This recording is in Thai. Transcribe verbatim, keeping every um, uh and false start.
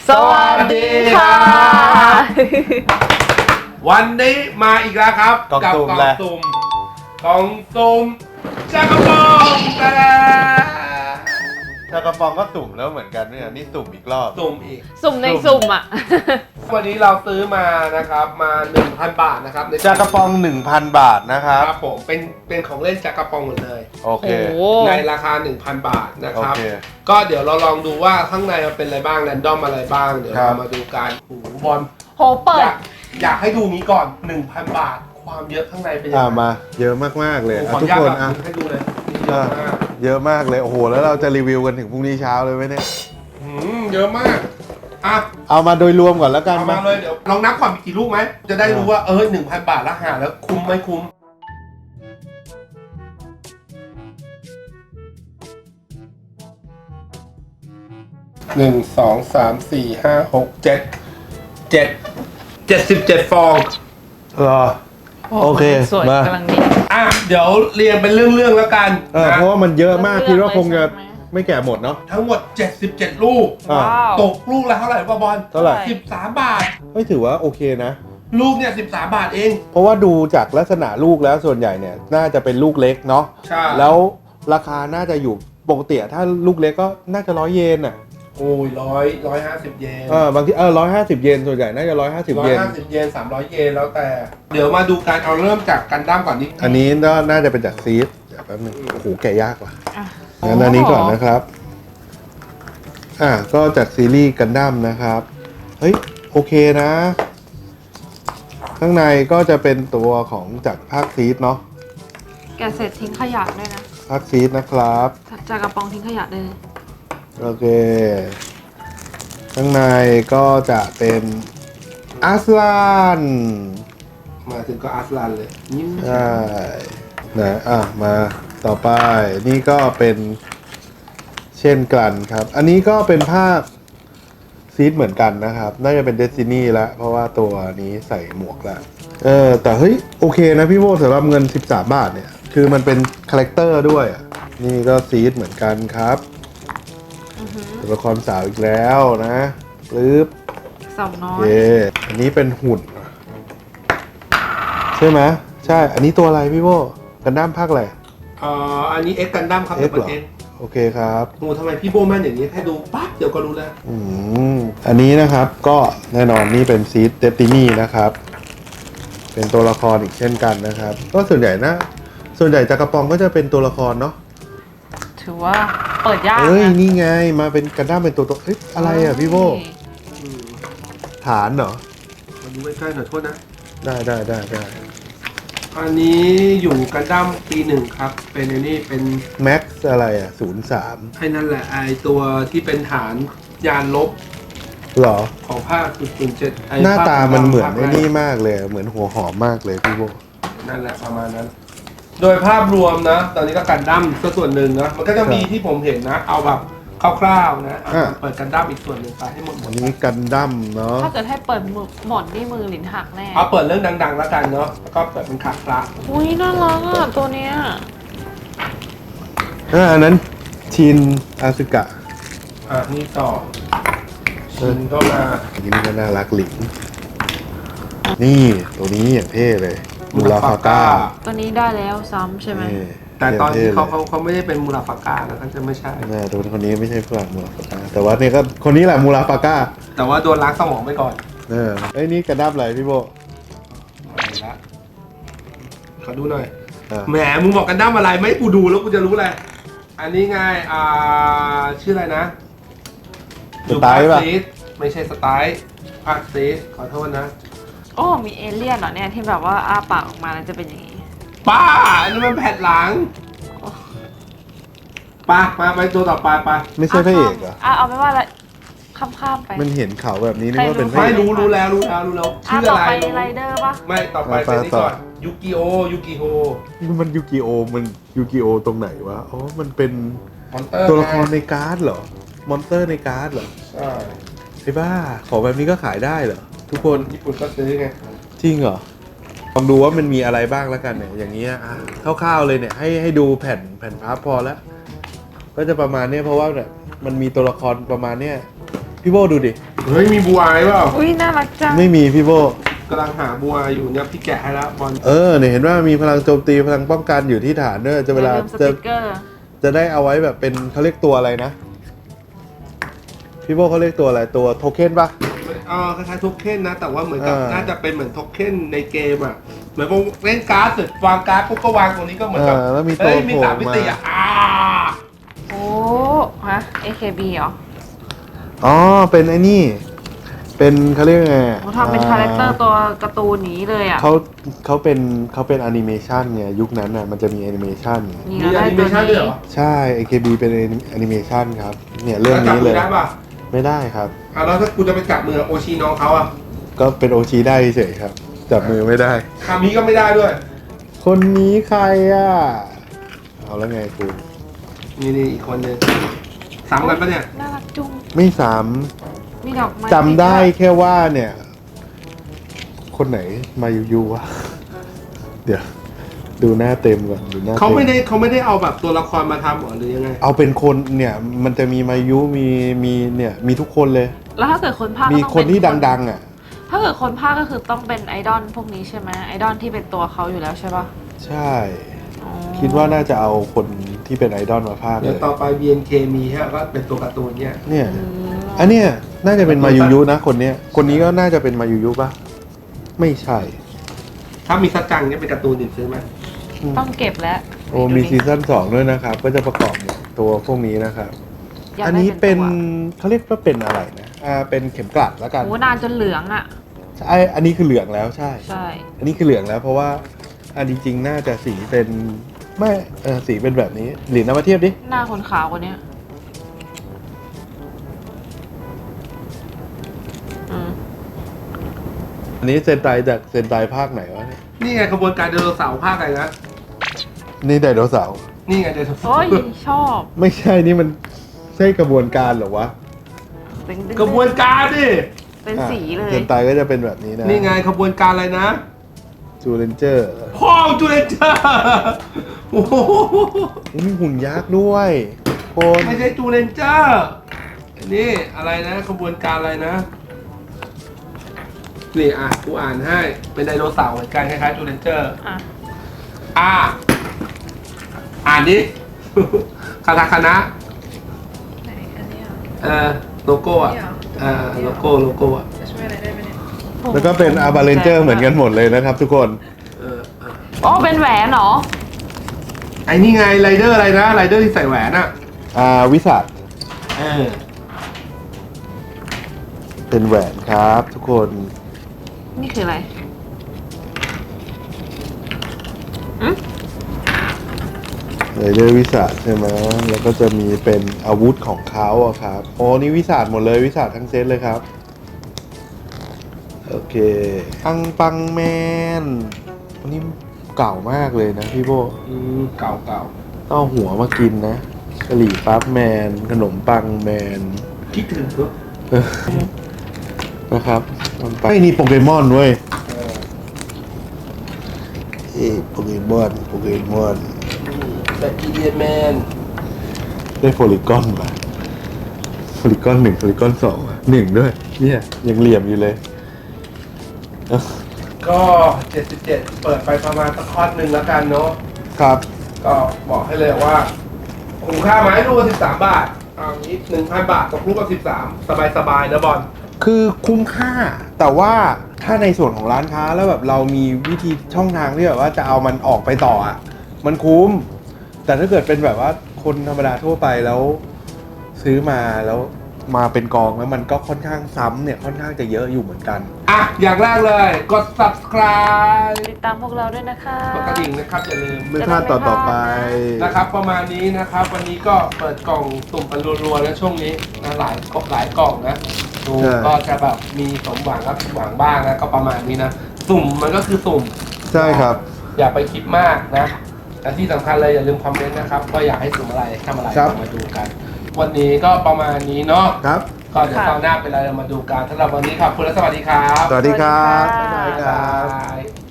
สวัสดีค่ะวันนี้มาอีกแล้วครับกล่องกัสุ่มกล่องแหละสุ่มกล่องสุ่มจักรพงศ์แต่ชากระปองก็สุ่มแล้วเหมือนกันเนี่ยนี่สุ่มอีกรอบสุ่มอีกสุ่มในสุ่มอ่ะวันนี้เราซื้อมานะครับมา หนึ่งพัน บาทนะครับในชากระปอง หนึ่งพัน บาทนะครับครับผมเป็นเป็นของเล่นจักรพงศ์หมดเลยโอเคโอ้โหในราคา หนึ่งพัน บาทนะครับโอเคก็เดี๋ยวเราลองดูว่าข้างในมันเป็นอะไรบ้างแรนดอมอะไรบ้างเดี๋ยวครับเรามาดูกันโอ้โหบอลโหเปิอดยากอยากให้ดูนี้ก่อน หนึ่งพัน บาท ความเยอะข้างในเป็นยังอ่าไงมาเยอะมากๆเลยผมขอออ่ะทุนุกญาตคนแบบอ่ะให้ดูเลยนี่เยอะมากเยอะมากเลยโอ้โหแล้วเราจะรีวิวกันถึงพรุ่งนี้เช้าเลยไหมเนี่ยอืมเยอะมาก อ่ะเอามาโดยรวมก่อนแล้วกันเอามาเลยเดี๋ยวลองนับก่อนมีกี่ลูกไหม จะได้รู้ว่าเออหนึ่งพันบาทแล้วหาแล้วคุ้มไม่คุ้ม หนึ่งสองสามสี่ห้าหกเจ็ดเจ็ดเจ็ดสิบเจ็ดฟองเหรอโอเคสวยมากำลังดีอ่ะ เดี๋ยวเรียงเป็นเรื่องๆแล้วกันเออนะเพราะว่ามันเยอะมากเลือกคิดว่าคงจะเลยใช่ไหมไม่แก่หมดเนาะทั้งหมดเจ็ดสิบเจ็ดลูกอ่ะว้าวตกลูกละเท่าไหร่วะบอลเท่าไหร่สิบสามบาทเฮ้ยถือว่าโอเคนะลูกเนี่ยสิบสามบาทเองเพราะว่าดูจากลักษณะลูกแล้วส่วนใหญ่เนี่ยน่าจะเป็นลูกเล็กเนาะใช่แล้วราคาน่าจะอยู่ปกติอะถ้าลูกเล็กก็น่าจะร้อยเยนอ่ะโอ้ยร้อยร้อยห้าสิบเยนเออบางทีเออร้อยห้าสิบเยนส่วนใหญ่น่าจะร้อยห้าสิบร้อเยยนห้าสิบเยนสามร้อยเยนแล้วแต่ เดี๋ยวมาดูการเอาเริ่มจากกันดั้มก่อนนิดอันนี้ก็น่าจะเป็นจากซีดเดี๋ยวแป๊บนึงโอ้โหแกะยากว่ะอ่ะงั้นอันนี้ก่อนนะครับอ่ะก็จากซีรีส์กันดั้มนะครับเฮ้ยโอเคนะ ข้างในก็จะเป็นตัวของจากภาคซีดเนาะแกะเสร็จทิ้งขยะด้วยนะภาคซีดนะครับจากกระป๋องทิ้งขยะได้เลยโอเค ข้างในก็จะเป็นอัสลานมาถึงก็อัสลันเลยยิ้มใช่นะอ่ะมาต่อไปนี่ก็เป็นเช่นกันครับ อันนี้ก็เป็นภาคซีดเหมือนกันนะครับ น่าจะเป็นเดซินี่แล้วเพราะว่าตัวนี้ใส่หมวกแล้วเออแต่เฮ้ยโอเคนะพี่โบสำหรับเงินสิบสามบาทเนี่ยคือมันเป็นคาแรคเตอร์ด้วยอ่ะนี่ก็ซีดเหมือนกันครับอือหือตัวละครสาวอีกแล้วนะปึ๊บสาวน้โออเคยอันนี้เป็นหุ่น ใช่ไหมใช่ อันนี้ตัวอะไรพี่โบกันดั้มภาคอะไรเอ่ออันนี้เอ็กกันดั้มครับเอ็กเป็นเหรอเอ็กโอเคครับโอ้ทำไมพี่โบแม่นอย่างนี้แค่ดูปั๊บเดี๋ยวก็รู้แล้วอืมอันนี้นะครับก็แน่นอนนี่เป็นซีดเดตินี่นะครับ เป็นตัวละครอีกเช่นกันนะครับ ก็ส่วนใหญ่นะ ส่วนใหญ่จากกระปองก็จะเป็นตัวละครเนาะถือว่าเปิดยากเอ้ยนะนี่ไงมาเป็นกันดั้มเป็นตัวตัวเอ้ยอะไรอ่ะพี่โบอืมฐานเหรอมาดูใกล้ๆหน่อยโทษนะได้ได้ได้ได้อันนี้อยู่กันดั้มปีหนึ่งครับ เป็นไอ้นี่เป็นแม็กซ์อะไรอ่ะศูนย์สามไอ้นั่นแหละไอตัวที่เป็นฐานยานลบหรอของภาคศูนย์ศูนย์เจ็ดไอ้หน้าตามันเหมือนภาคไอ้นี่มากเลย เหมือนหัวหอมมากเลยพี่โบนั่นแหละประมาณนั้น โดยภาพรวมนะ ตอนนี้ก็กันดั้มก็ส่วนหนึ่งนะ มันก็จะมีที่ผมเห็นนะ เอาแบบคร่าวๆนะอ่ะเปิดกันดั้มอีกส่วนหนึ่งไปให้หมดหมอัดนนี้กันดั้มเนาะถ้าเกิดให้เปิดมือหมดนี่มือหลินหักแน่เอาเปิดเรื่องดังๆแล้วกันเนาะแล้วก็เปิดเป็นขาพระอุ้ยน่ารักอ่ะตัวเนี้ยอ่าอันนั้นชินอาซึกะอ่ะนี่ต่อชินก็มาอันนี้ก็น่ารักหลิง นี่ตัวนี้อย่างเท่เลยมูราฟาก้าตัวนี้ได้แล้วซ้ำใช่ไหมนี่แต่ตอนที่เขาท่เขาเขาไม่ได้เป็นมูราฟาก้านะเขาจะไม่ใช่ลยแม่ตัวคนนี้ไม่ใช่ฝรั่งมูราฟาก้าแต่ว่าเนี่ยก็คนนี้แหละมูราฟาก้าแต่ว่าโดนล้างสมองไปก่อนเออไอ้ยนี่กันดั้มอะไรพี่โบมาละขอดูหน่อยอ่าแหมมึงบอกกันดั้มอะไรไม่ให้กูดูแล้วกูจะรู้แหละอันนี้ไงอ่าชื่ออะไรนะสไตล์ป่ะซีสไม่ใช่สไตล์ภาคซีสขอโทษนะโอ้มีเอเลี่ยนเหรอเนี่ยที่แบบว่าอ้าปากออกมาแล้วจะเป็นอย่างนี้ป้าอันนี้มันแผ่นหลังไป้ามาไปตัวต่อไปไปไม่ใช่พระเอกเหรออ่ะเอาไม่ว่าละข้ามๆไปมันเห็นเขาแบบนี้นึกว่าเป็นพระไม่เอกรู้รู้แล้วรู้แล้วรู้แล้วอ่ะชื่อต่ออะไรไปรู้ไรเดอร์ปะไม่ต่อไปเป็นนี่ก่อนยูกิโอยูกิโฮมันยูกิโอมันยูกิโอตรงไหนวะอ๋อมันเป็นมอนเตอร์ตัวละครในการ์ดเหรอมอนสเตอร์ในการ์ดเหรอใช่ไอ้บ้าของแบบนี้ก็ขายได้เหรอทุกคนญี่ปุ่นก็ซื้อไงจริงเหรอลองดูว่ามันมีอะไรบ้างแล้วกันเนี่ยอย่างเงี้ยอ่ะคร่าวๆเลยเนี่ยให้ให้ดูแผ่นแผ่นพับพอแล้ว ก็จะประมาณเนี้ยเพราะว่าเนี่ยมันมีตัวละครประมาณเนี้ยพี่โบดูดิเฮ้ยมีบัวไหมเปล่าอุ้ยน่ารักจังไม่มีพี่โบกำลังหาบัวอยู่เนี่ยพี่แกะให้แล้วบอลเออเนี่ยเห็นว่ามีพลังโจมตีพลังป้องกันอยู่ที่ฐานด้วยจะเวลาอย่ลืมสจะติกเกอร์จะได้เอาไว้แบบเป็นเขาเรียกตัวอะไรนะ พี่โบเขาเรียกตัวอะไรตัวโทเค็นปะเออคล้ายๆโทเค็นนะ แต่ว่าเหมือนกับอ่าน่าจะเป็นเหมือนโทเค็นในเกมอ่ะเหมือนพอเล่นการ์ดเสร็จวางการ์ดปุ๊บก็วางตรงนี้ก็เหมือนกับเออแล้วมีตัวเอ้ยมีโผล่สามมิมาติอ่ะอ่าโอ้ฮะ เอ เค บี เหรออ๋อเป็นไอ้นี่ เป็นเขาเรียกไงเขาทำเป็นคาแรคเตอร์ตัวการ์ตูนนี้เลยอ่ะเขาเขาเป็นเขาเป็นแอนิเมชันไงยุคนั้นน่ะมันจะมีแอนิเมชันนี่มีเราแอได้นิเมตัวชั่นด้วยนี้เหรอใช่ เอ เค บี เป็นแอนิเมชันครับ เนี่ยเรื่องแล้วจับนี้มืเลยได้ป่ะไม่ได้ครับอ่ะแล้วถ้ากูจะไปจับมือโอชิน้องเขาอ่ะก็เป็นโอชีได้เฉยครับ จับมือไม่ได้คามิก็ไม่ได้ด้วยคนนี้ใครอ่ะ เอาแล้วไงคุณนี่นี่อีกคนนึงสามกันปะเนี่ยน่ารักจุงไม่สามมีดอกไม้จำได้แค่ว่าเนี่ย คนไหนมายูยูวะ เดี๋ยว ดูหน้าเต็มก่อนดูหน้าเขาไม่ต็ได้เขาไม่ได้เอาแบบตัวละครมาทำเหรอหรือยังไงเอาเป็นคนเนี่ย มันจะมีมายุมีมีเนี่ย มีทุกคนเลยแล้วถ้าเกิดคนภาคมีก็ต้องคนที่เป็ดัง ๆ อ่ะถ้าเกิดคนภาคก็คือต้องเป็นไอดอลพวกนี้ใช่ไหมไอดอลที่เป็นตัวเขาอยู่แล้วใช่ปะใช่อ๋อคิดว่าน่าจะเอาคนที่เป็นไอดอลมาพากย์เดี๋เลยวย ต่อไป บี เอ็น เค มีฮะก็เป็นตัวการ์ตูนเนี่ยเนี่ยอืมอันเนี้ยน่าจะเป็นมายุยุนะ คนเนี้ย คนนี้ก็น่าจะเป็นมายุยุปะไม่ใช่ถ้ามีสัจจังเนี่ยเป็นการ์ตูนดิซื้อไหมต้องเก็บแล้วโอ้มีซีซั่นสองด้วยนะครับ ก็จะประกอบตัวพวกนี้นะครับยากอันได้นี้เป็นตัวเขาเรียกว่าเป็นอะไรนะ อ่า เป็นเข็มกลัดแล้วกันโอ้นานจนเหลืองอ่ะใช่อันนี้คือเหลืองแล้วใช่ใช่อันนี้คือเหลืองแล้วเพราะว่าอันจริงๆน่าจะสีเป็นไม่เออสีเป็นแบบนี้หลินเอามาเทียบดิหน้าคนขาวกว่านี้อืมอันนี้เซนไตจากเซนไตภาคไหนวะเนี่ยนี่ไงขบวนการไดโนเสาร์ภาคอะไรนะนี่ไดโนเสาร์นี่ไงไดโนเสาโอ้ยร์ชอบไม่ใช่นี่มันใช่กระบวนการเหรอวะเป็นกระบวนการดิเป็นสีเลยเซนไตก็จะเป็นแบบนี้นะนี่ไงขบวนการอะไรนะจูเลนเจอร์พ่อจูเลนเจอร์โอ้โหมีหุ่นยักษ์ด้วยคนไม่ใช่จูเลนเจอร์นี่อะไรนะขบวนการอะไรนะนี่อ่ะกูอ่านให้เป็นไดโนเสาร์เหมือนกันคล้ายๆจูเลนเจอร์อ่ะอ่าอ่านดิ คาทาคานะไหนอันนี้เหรอเออโลโก้อะนี่เหรอเออโลโก้โลโก้อะจะช่วยอะไรได้ไหมเนี่ยแล้วก็เป็นอาบาเลนเจอร์เหมือนกันหมดเลยนะครับ ทุกคนเออเอออ๋อเป็นแหวนเหรอไอ้นี่ไงไรเดอร์อะไรนะไรเดอร์ที่ใส่แหวนอะอ่าวิสัทเออเป็นแหวนครับ ทุกคนนี่คืออะไรอืมไรเดอร์วิสัทใช่ไหมแล้วก็จะมีเป็นอาวุธของเขาอะครับโอ้นี่วิสัทหมดเลยวิสัททั้งเซตเลยครับโอเคปังปังแมนอันนี้เก่ามากเลยนะพี่โบอืมเก่าเก่าต้องเอาหัวมากินนะกะหรี่ปั๊บแมน ขนมปังแมนคิดถึงเถอะเออนะครับมันไปนี่โปเกมอนเว้ยเออเอ้ยโปเกมอนโปเกมอนแต่อีเดียนแมนได้โฟลิกอนมาโฟลิกอนหนึ่งโฟลิกอนสองอะหนึ่งด้วย เนี่ยยังเหลี่ยมอยู่เลยเอ้าก็เจ็ดสิบเจ็ดเปิดไปประมาณสักคอร์สหนึ่งแล้วกันเนาะครับก็บอกให้เลยว่าคุ้มค่าไหมลูกละสิบสามบาทเอางี้หนึ่งพันบาทตกลูกละสิบสามสบายสบายๆนะบอลคือคุ้มค่า แต่ว่าถ้าในส่วนของร้านค้าแล้วแบบเรามีวิธีช่องทางที่แบบว่าจะเอามันออกไปต่ออ่ะ มันคุ้ม แต่ถ้าเกิดเป็นแบบว่าคนธรรมดาทั่วไปแล้ว ซื้อมาแล้วมาเป็นกองแล้วมันก็ค่อนข้างซ้ำเนี่ยค่อนข้างจะเยอะอยู่เหมือนกันอ่ะ อย่างแรกเลย กด subscribe ติดตามพวกเราด้วยนะคะกดกระดิ่งนะครับอย่าลืมไม่พลาดต่อต่อไปนะครับ ประมาณนี้นะครับ วันนี้ก็เปิดกล่องสุ่มกันรัวๆนะช่วงนี้นะหลายกหลายกล่องนะดูใช่ก็จะแบบมีสมหวังกับผิดหวังบ้างนะก็ประมาณนี้นะสุ่มมันก็คือสุ่มใช่ครับอย่าไปคิดมากนะและที่สำคัญเลยอย่าลืมคอมเมนต์นะครับว่าอยากให้สุ่มอะไรทำอะไรครับมาดูกัน วันนี้ก็ประมาณนี้เนาะครับก็เดี๋ยวคราวหน้าเป็นอะไรเรามาดูกันสำหรับวันนี้ขอบคุณและสวัสดีครับสวัสดีครับสวัสดีค่ะบ๊ายบายครับบ๊ายบาย